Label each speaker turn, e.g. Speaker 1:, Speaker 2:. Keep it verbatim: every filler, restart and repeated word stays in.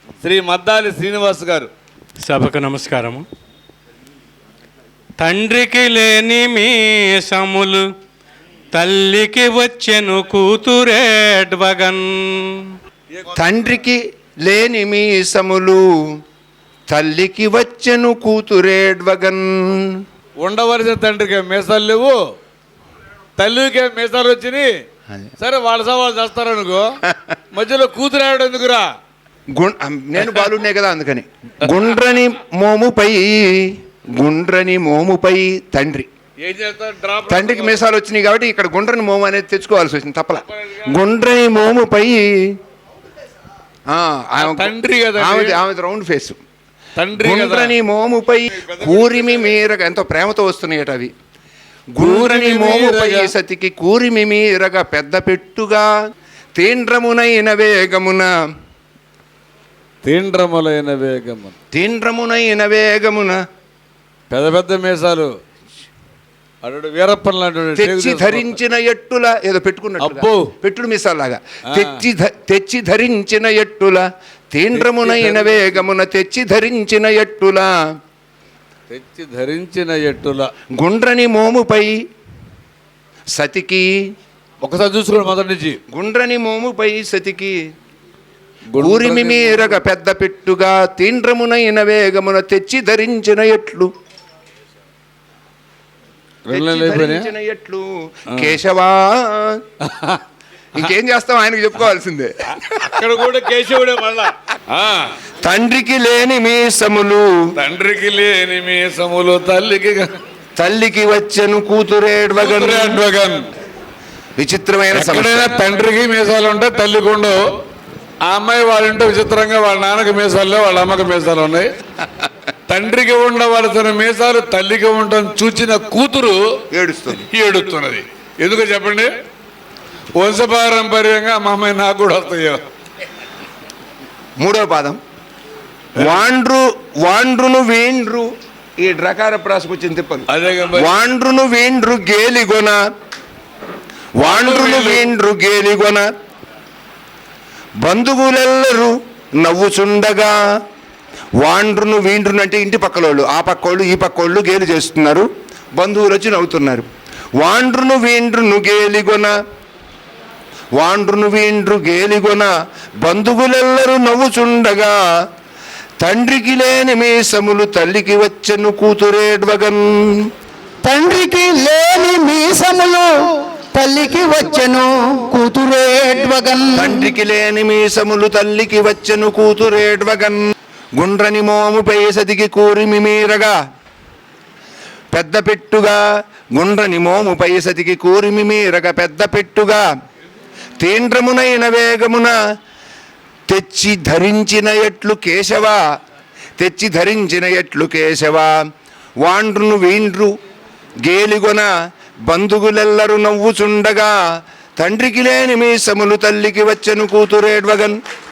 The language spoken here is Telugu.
Speaker 1: శ్రీ మద్దాలి శ్రీనివాస్ గారు.
Speaker 2: సభకు నమస్కారము. తండ్రికి లేని మీసములు తల్లికి వచ్చెను కూతురేడ్వగన్.
Speaker 3: తండ్రికి లేని మీసములు తల్లికి వచ్చెను కూతురేడ్వగన్.
Speaker 1: ఉండవలసిన తండ్రికి మీసాలు లేవు, తల్లికే మీసాలు వచ్చినాయి. సరే వాళ్ళ సవాళ్ళు చేస్తారనుకో, మధ్యలో కూతురాడు ఎందుకురా?
Speaker 3: నేను బాలునే కదా, అందుకని గుండ్రని మోముపై గుండ్రని మోముపై తండ్రి
Speaker 1: ఏం చేస్తారు?
Speaker 3: తండ్రికి మీసాలు వచ్చినాయి కాబట్టి ఇక్కడ గుండ్రని మోము అనేది తెచ్చుకోవాల్సి వచ్చింది, తప్పల. గుండ్రని మోముపై
Speaker 1: తండ్రి కదా,
Speaker 3: ఆమె రౌండ్ ఫేస్.
Speaker 1: తండ్రి
Speaker 3: గుండ్రని మోముపై కూరిమి మీరగ, ఎంతో ప్రేమతో వస్తున్నాయట అవి. గుండ్రని మోముపై సతికి కూరిమి మీరగ పెద్ద పెట్టుగా తీండ్రమునైన వేగమున
Speaker 1: తీండ్రములైన వేగము
Speaker 3: తీండ్రమునైన వేగమున
Speaker 1: పెద్ద పెద్ద మీసాలు అడు వీరప్పన్ లాంటి
Speaker 3: తెచ్చి ధరించిన ఎట్టుల ఏదో పెట్టుకున్నట్టు
Speaker 1: అబ్బో
Speaker 3: పెట్టుడు మీసాలాగా తెచ్చి తెచ్చి ధరించిన ఎట్టుల తీండ్రమునైన వేగమున తెచ్చి ధరించిన ఎట్టుల
Speaker 1: తెచ్చి ధరించిన ఎట్టుల
Speaker 3: గుండ్రని మోముపై సతికి.
Speaker 1: ఒకసారి చూసుకోండి మొదటి నుంచి.
Speaker 3: గుండ్రని మోముపై సతికి ఊరిమి మీరగ పెద్ద పెట్టుగా తీండ్రమునైన వేగమున తెచ్చి ధరించిన ఎట్లు ధరించిన ఎట్లు కేశవా. ఇంకేం చేస్తాం, ఆయనకు చెప్పుకోవాల్సిందే.
Speaker 1: అక్కడ కూడా కేశవుడే మళ్ళా.
Speaker 3: తండ్రికి లేని మీసములు
Speaker 1: తండ్రికి లేని మీసములు తల్లికి
Speaker 3: తల్లికి వచ్చెను కూతురేడ్వగన్. విచిత్రమైన
Speaker 1: ఎక్కడైనా తండ్రికి మీసాలు ఉంటాయి, తల్లికి ఉండవు. ఆ అమ్మాయి వాళ్ళంటే విచిత్రంగా వాళ్ళ నాన్నకి మీసాలు, వాళ్ళ అమ్మకి మీసాలు ఉన్నాయి. తండ్రికి ఉండవలసిన మీసాలు తల్లికి ఉండటం చూచిన కూతురు
Speaker 3: ఏడుస్తుంది
Speaker 1: ఏడుస్తున్నది. ఎందుకో చెప్పండి? వంశపారంపర్యంగా మా అమ్మాయి నాకు కూడా వస్తాయో.
Speaker 3: మూడో పాదం వాండ్రు వాండ్రును వేండ్రు. ఈ డ్రకార ప్రాసకొచ్చిన తిప్పలు.
Speaker 1: అదే
Speaker 3: వాండ్రును వేండ్రు గేలిగొన వాండ్రును వేండ్రు గేలిగొన బంధువులెల్లరూ నవ్వుచుండగా. వాండ్రును వీండ్రును అంటే ఇంటి పక్కలోళ్ళు, ఆ పక్కోళ్ళు ఈ పక్కోళ్ళు గేలి చేస్తున్నారు, బంధువులు వచ్చి నవ్వుతున్నారు. వాండ్రును వీండ్రును గేలిగొన వాండ్రును వీండ్రు గేలిగొన బంధువులెల్లరూ నవ్వుచుండగా. తండ్రికి లేని మీసములు తల్లికి వచ్చెను కూతురేడ్వగన్.
Speaker 4: తండ్రికి లేని మీసములు తల్లికి వచ్చెను కూతురేడ్వగన్.
Speaker 3: తండ్రికి లేని మీసములు తల్లికి వచ్చెను కూతురేడ్వగన్. గుండ్రని మోముపై సతికి కూరిమి మీరగా పెద్ద పెట్టుగా. గుండ్రని మోముపై సతికి కూరిమి మీరగా పెద్ద పెట్టుగా తీండ్రమునైన వేగమున తెచ్చి ధరించిన ఎట్లు కేశవ తెచ్చి ధరించిన ఎట్లు కేశవ. వాండ్రును వీండ్రు గేలిగొన బంధువులెల్లరూ నవ్వుచుండగా. తండ్రికి లేని మీసములు తల్లికి వచ్చెను కూతురేడ్వగన్.